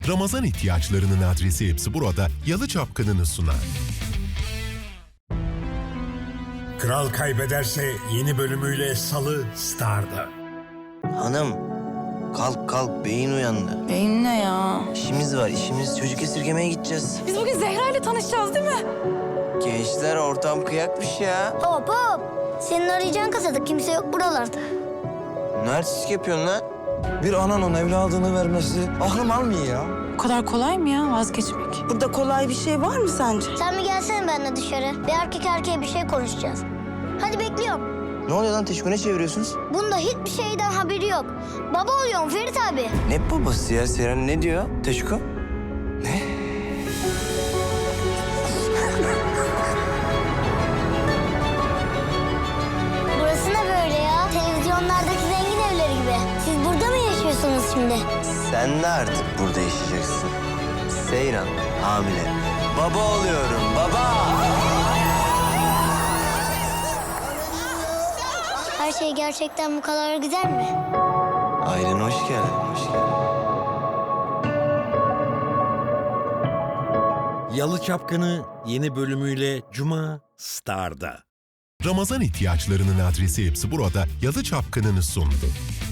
Ramazan ihtiyaçlarının adresi hepsi burada Yalı Çapkını'nı sunar. Kral Kaybederse yeni bölümüyle Salı Star'da. Hanım, kalk kalk, beyin uyandı. Beyin ne ya? İşimiz var, işimiz. Çocuk esirgemeye gideceğiz. Biz bugün Zehra ile tanışacağız değil mi? Gençler, ortam kıyakmış ya. Hop hop. Senin arayacağın kasada kimse yok buralarda. Ne artistik yapıyorsun lan? Bir ananın evladını vermesi aklım almıyor ya. Bu kadar kolay mı ya vazgeçmek? Burada kolay bir şey var mı sence? Sen bir gelsene benimle dışarı. Bir erkek erkeğe bir şey konuşacağız. Hadi bekliyorum. Ne oluyor lan? Teşko, ne çeviriyorsunuz? Bunda hiçbir şeyden haberi yok. Baba oluyorum Ferit abi. Ne babası ya? Seren ne diyor? Teşko? Ne? Burası ne böyle ya? Televizyonlardaki zengin evleri gibi. Siz burada mı yaşıyorsunuz şimdi? Sen de artık burada yaşayacaksın. Seyran, hamile. Baba oluyorum, baba! Her şey gerçekten bu kadar güzel mi? Ailene hoş geldin, hoş geldin. Yalı Çapkını yeni bölümüyle Cuma Star'da. Ramazan ihtiyaçlarının adresi hepsi burada Yalı Çapkını'nı sundu.